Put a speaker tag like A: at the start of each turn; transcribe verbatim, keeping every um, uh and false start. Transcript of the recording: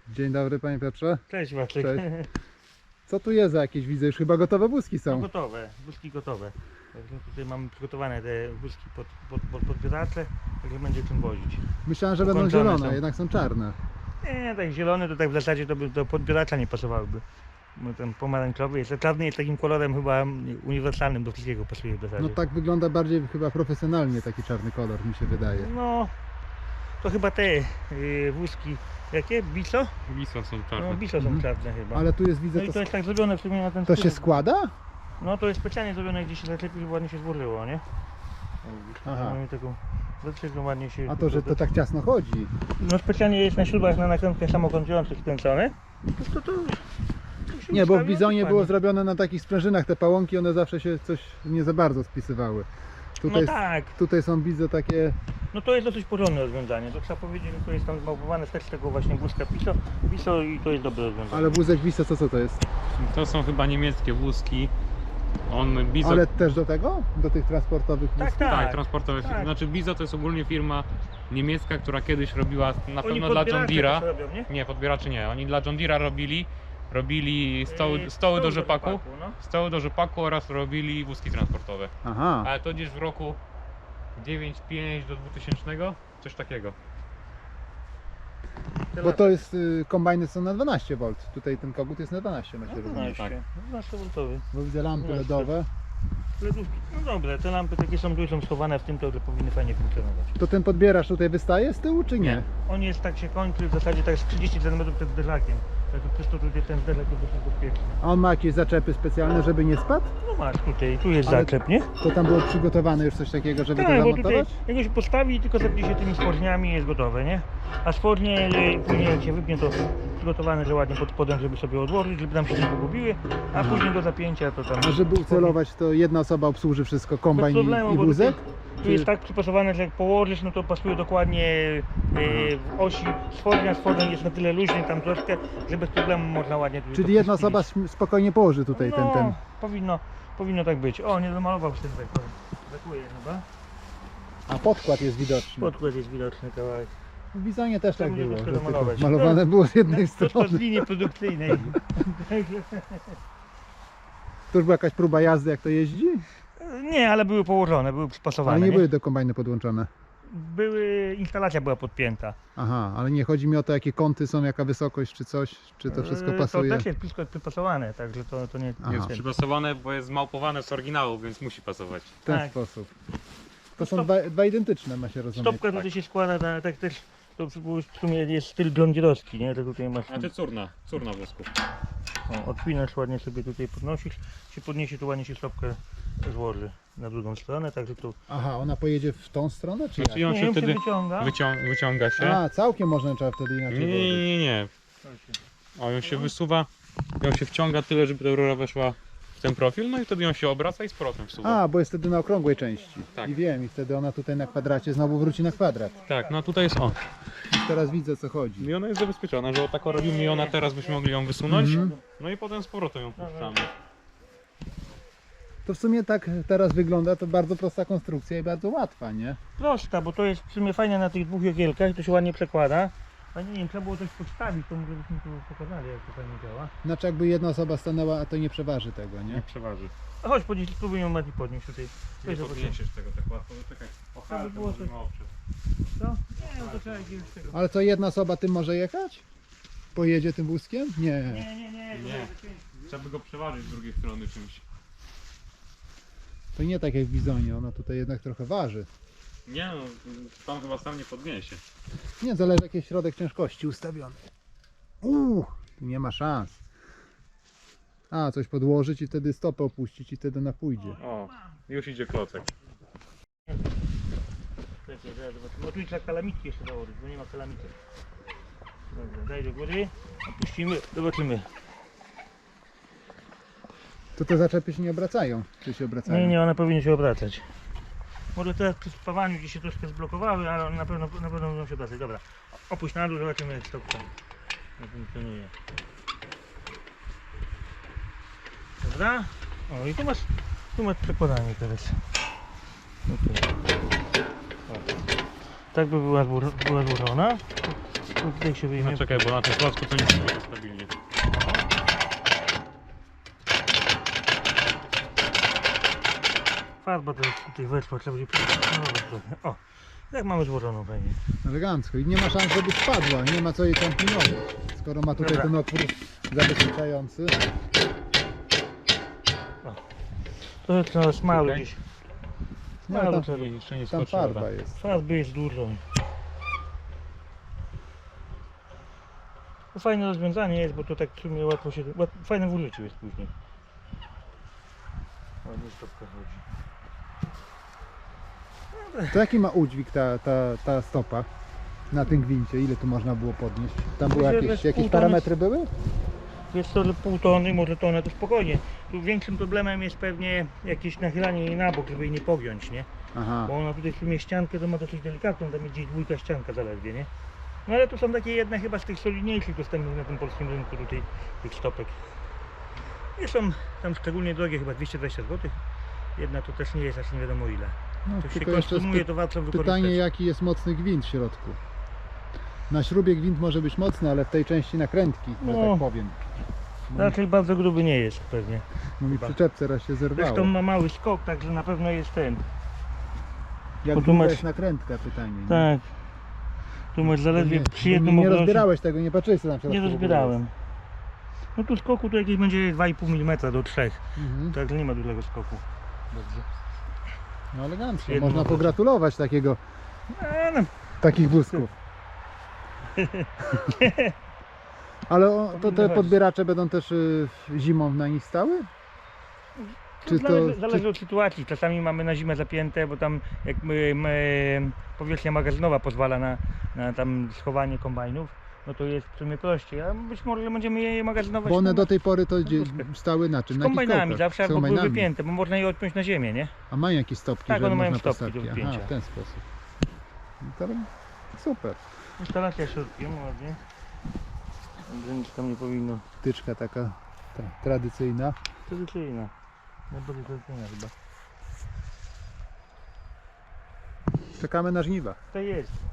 A: Dzień dobry panie Piotrze.
B: Cześć Maciek.
A: Cześć. Co tu jest za jakieś, widzę, już chyba gotowe wózki
B: No
A: są.
B: gotowe, wózki gotowe. Także tutaj mamy przygotowane te wózki pod, pod, pod, pod biedacze, także będzie czym wozić.
A: Myślałem, że będą
B: Ukończone
A: zielone,
B: są.
A: jednak są czarne.
B: Nie, tak zielony to tak w zasadzie to by do podbieracza nie pasowałyby. Bo ten pomarańczowy jest, a czarny jest takim kolorem chyba uniwersalnym, do wszystkiego pasuje w zasadzie.
A: No tak wygląda bardziej chyba profesjonalnie taki czarny kolor, mi się wydaje.
B: No, to chyba te yy, wózki, jakie? Biso?
C: Wisła są
B: No
C: czarne.
B: Biso są
A: Mhm.
B: czarne chyba.
A: Ale tu jest, widzę,
B: No i
A: to,
B: to jest tak zrobione w sumie na ten
A: to
B: styl.
A: się składa?
B: No to jest specjalnie zrobione, gdzie się zaczepi, żeby ładnie się złożyło, nie?
A: Aha.
B: Mamy taką zaczepkę, ładnie się...
A: A to, że to tak ciasno chodzi.
B: No specjalnie jest na śrubach na nakrętkach samokręcujących skręcone. To, to, to, to się
A: Nie, bo w
B: ustawia
A: Bizonie
B: dokładnie.
A: było zrobione na takich sprężynach, te pałąki, one zawsze się coś nie za bardzo spisywały. Tutaj,
B: No tak,
A: tutaj są, widzę, takie...
B: no to jest dosyć porządne rozwiązanie. To trzeba powiedzieć, że to jest tam zmałpowane też z tego właśnie wózka Piso, Piso i to jest dobre rozwiązanie.
A: Ale wózek Wiso, co, co to jest?
C: To są chyba niemieckie wózki. On Bizo.
A: Ale też do tego? Do tych transportowych
B: Tak,
A: wózków?
B: tak.
C: Tak, transportowe.
B: tak.
C: Znaczy Bizo to jest ogólnie firma niemiecka, która kiedyś robiła na
B: Oni
C: pewno dla John
B: podbieracze
C: Deere'a.
B: też robią, nie?
C: Nie, podbieraczy nie. Oni dla John Deere'a robili. Robili stoły,
B: Yy,
C: stoły do rzepaku.
B: no.
C: Stoły do rzepaku oraz robili wózki transportowe.
A: Aha.
C: Ale to gdzieś w roku dziewięćdziesiątym piątym do dwutysięcznego. Coś takiego.
A: Bo to jest, y, kombajny są na dwanaście wolt. Tutaj ten kogut jest na dwanaście, ma się rozumieć.
B: dwanaście, dwanaście woltowy.
A: Bo widzę lampy
B: dwanaście.
A: ledowe.
B: Ledówki. No dobre, te lampy takie są, tu są schowane w tym, to powinny fajnie funkcjonować.
A: To ten podbieracz tutaj wystaje z tyłu, czy nie?
B: On jest tak się kończy, w zasadzie tak z trzydzieści centymetrów przed zderzakiem. Także przez to tutaj ten zderzak jest dosyć bezpieczny.
A: A on ma jakieś zaczepy specjalne, żeby nie spadł?
B: No masz tutaj, tu jest
A: Ale
B: zaczep, nie?
A: To tam było przygotowane już coś takiego, żeby to
B: Tak, bo tutaj
A: zamontować?
B: jego się postawi i tylko zepnie się tymi spodniami i jest gotowe, nie? A spodnie y, później jak się wypnie, to przygotowane, że ładnie pod spodem, żeby sobie odłożyć, żeby tam się nie pogubiły, a później do zapięcia to tam...
A: A żeby ucelować, to jedna osoba obsłuży wszystko,
B: Bez
A: kombajn i-
B: problemu,
A: i
B: bo
A: wózek?
B: tutaj, tu jest tak przypasowane, że jak położysz, no to pasuje dokładnie y, w osi spodnia, spodem jest na tyle luźny tam troszkę, że bez problemu można ładnie tutaj
A: Czyli
B: to
A: jedna
B: przyspić.
A: osoba sm- spokojnie położy tutaj
B: no,
A: ten, ten...
B: Powinno, powinno tak być. O, nie domalował się ten wektor. Brakuje chyba.
A: A podkład jest widoczny.
B: Podkład jest widoczny kawałek.
A: W Bizonie też
B: To
A: tak
B: będzie
A: było,
B: troszkę
A: że tylko
B: domalować.
A: malowane było z jednej
B: Podkład z
A: strony.
B: linii produkcyjnej.
A: To już była jakaś próba jazdy, jak to jeździ?
B: Nie, ale były położone, były przypasowane.
A: Ale nie
B: nie?
A: były do kombajny podłączone.
B: Były, instalacja była podpięta.
A: Aha, ale nie chodzi mi o to, jakie kąty są, jaka wysokość, czy coś, czy to wszystko
B: Yy,
A: pasuje.
B: To też jest wszystko przypasowane, także to, to nie
A: Aha.
C: Jest
B: ten.
C: przypasowane, bo jest zmałpowane z oryginału, więc musi pasować.
A: W ten
B: tak.
A: sposób. To są
B: Stop-
A: dwa, dwa identyczne, ma się rozumieć.
B: Stopka tutaj się składa, na, tak też, to w sumie jest styl blondzierowski, nie? To tutaj masz,
C: Znaczy curna, curna wózków.
B: o, odpinasz ładnie sobie tutaj podnosisz, się podniesie, tu ładnie się stopkę złoży na drugą stronę, także tu
A: Aha, ona pojedzie w tą stronę, czy
C: Znaczy
A: jak?
C: on
B: nie,
C: się
B: ją się
C: wtedy
B: wyciąga.
C: wycią wyciąga się.
A: A, całkiem można trzeba wtedy
C: Nie,
A: inaczej
C: nie,
A: włożyć.
C: nie, nie. O, ją się wysuwa, ją się wciąga tyle, żeby ta rura weszła w ten profil, no i wtedy ją się obraca i z powrotem wsuwa.
A: A, bo jest wtedy na okrągłej części.
C: Tak.
A: I wiem, i wtedy ona tutaj na kwadracie znowu wróci na kwadrat.
C: Tak, no tutaj jest o.
A: Już teraz widzę, o co chodzi.
C: I ona jest zabezpieczona, że o tak robimy i ona teraz byśmy mogli ją wysunąć.
A: Mhm.
C: No i potem z powrotem ją puszczamy.
A: To w sumie tak teraz wygląda, to bardzo prosta konstrukcja i bardzo łatwa, nie?
B: Prosta, bo to jest w sumie fajne na tych dwóch jogiełkach, to się ładnie przekłada. A nie wiem, trzeba było coś podstawić, to może byśmy tu pokazali, jak to fajnie działa.
A: Znaczy jakby jedna osoba stanęła, a to nie przeważy tego,
C: Nie
A: nie?
C: przeważy.
B: A chodź, podnieś, spróbuj ją Mati podnieść tutaj.
C: Nie
B: Weź zobaczymy.
C: podniesiesz tego tak łatwo, bo czekaj. O,
B: To by było
C: możemy
B: coś-
C: oprzeć.
B: Co? Nie, no to trzeba jakiegoś tego.
A: Ale co, jedna osoba tym może jechać? Pojedzie tym wózkiem? Nie.
B: Nie, nie, nie,
C: Nie.
B: nie.
C: Trzeba by go przeważyć z drugiej strony czymś.
A: To nie tak jak w Bizonie, ona tutaj jednak trochę waży.
C: Nie no, pan chyba sam nie podniesie.
A: Nie, zależy jaki jest środek ciężkości ustawiony. Uuu, tu nie ma szans. A, coś podłożyć i wtedy stopę opuścić i wtedy ona pójdzie.
C: O, już idzie klocek.
B: Czekaj, zaraz zobaczymy. O, tu trzeba kalamitki jeszcze założyć, bo nie ma kalamitek. Dobra, daj do góry, opuścimy, zobaczymy.
A: To te zaczepy się nie obracają, czy się obracają?
B: Nie, nie, one powinny się obracać. Może teraz przy spawaniu gdzieś się troszkę zblokowały, ale one na pewno, na pewno będą się obracać. Dobra, opuść na dół, zobaczymy jak stopka funkcjonuje. Dobra. O, i tu masz, tu masz przekładanie teraz. Okay. Tak by była, zło- była złożona. No tutaj się wyjmie.
C: No czekaj, bo na tym klocku to nie jest stabilnie.
B: Farba to jest tutaj weszła, trzeba będzie przygotować trochę. O, jak mamy złożoną fajnie.
A: Elegancko. I nie ma szans, żeby spadła. Nie ma co jej tam pilnować. Skoro ma tutaj
B: Dobra.
A: ten otwór zabezpieczający.
B: To trzeba smalu
C: Okej.
B: gdzieś.
A: Nie,
B: Smalu
A: tam,
B: trzeba.
C: I jeszcze nie
A: tam
C: skoczyła.
A: farba jest.
B: Farby jest dużo. To fajne rozwiązanie jest, bo to tak w sumie łatwo się... Łat, fajne w użyciu jest później. Ładnie stopka chodzi.
A: To jaki ma udźwig ta, ta, ta stopa na tym gwincie? Ile tu można było podnieść? Tam były
B: Myślę, że
A: jakieś,
B: z
A: jakieś
B: pół tony-
A: parametry były?
B: Jest to pół tony, może tonę, to spokojnie. Tu większym problemem jest pewnie jakieś nachylanie jej na bok, żeby jej nie pogiąć, nie?
A: Aha.
B: Bo ona tutaj w sumie ściankę to ma dosyć delikatną, tam jest gdzieś dwójka ścianka zaledwie, nie? No ale to są takie jedne chyba z tych solidniejszych dostępnych na tym polskim rynku tutaj tych stopek. I są tam szczególnie drogie, chyba dwieście dwadzieścia złotych. Jedna to też nie jest aż nie wiadomo ile.
A: No,
B: To się
A: tylko jeszcze jest
B: konsumuje,
A: py-
B: to warto wykorzystać.
A: pytanie, jaki jest mocny gwint w środku. Na śrubie gwint może być mocny, ale w tej części nakrętki, że
B: No.
A: tak powiem.
B: Raczej bardzo gruby nie jest pewnie.
A: No mi
B: chyba.
A: przyczepce raz się zerwało.
B: Zresztą ma mały skok, także na pewno jest ten.
A: Jak
B: bo tu
A: długa
B: masz-
A: jest nakrętka, pytanie. nie?
B: Tak. Tu masz zaledwie
A: nie,
B: przy
A: nie,
B: jednym
A: nie
B: obrocie.
A: rozbierałeś tego, nie patrzyłeś co tam w środku
B: Nie
A: w ogóle
B: rozbierałem. No tu skoku to jakieś będzie dwa i pół milimetra do trzech.
A: jest. Mhm.
B: Także nie ma dużego skoku. Dobrze.
A: No elegancko,
B: Jednym
A: można
B: obrocie.
A: pogratulować takiego,
B: A, no,
A: takich wózków. Ale o, to te podbieracze będą też y, zimą na nich stały?
B: to
A: Czy to-
B: zależy, zależy
A: czy-
B: od sytuacji. Czasami mamy na zimę zapięte, bo tam jak my, my, powierzchnia magazynowa pozwala na, na tam schowanie kombajnów, no to jest w sumie prościej. A być może będziemy je magazynować
A: Bo one
B: na-
A: do tej pory to gdzie,
B: wózkach.
A: stały na czym?
B: z
A: Na jakich
B: kombajnami,
A: kołkach?
B: zawsze
A: Z
B: albo były
A: kombajnami.
B: wypięte, bo można je odpiąć na ziemię, nie?
A: A mają jakieś stopki,
B: Tak,
A: że
B: one mają
A: można
B: stopki do
A: postawić. Aha,
B: wypięcia.
A: w ten sposób. No to super.
B: Instalacja środkiem, ładnie. Także nic tam nie powinno.
A: Tyczka taka ta, tradycyjna.
B: Tradycyjna. Najbardziej tradycyjna chyba.
A: Czekamy na żniwa.
B: To jest.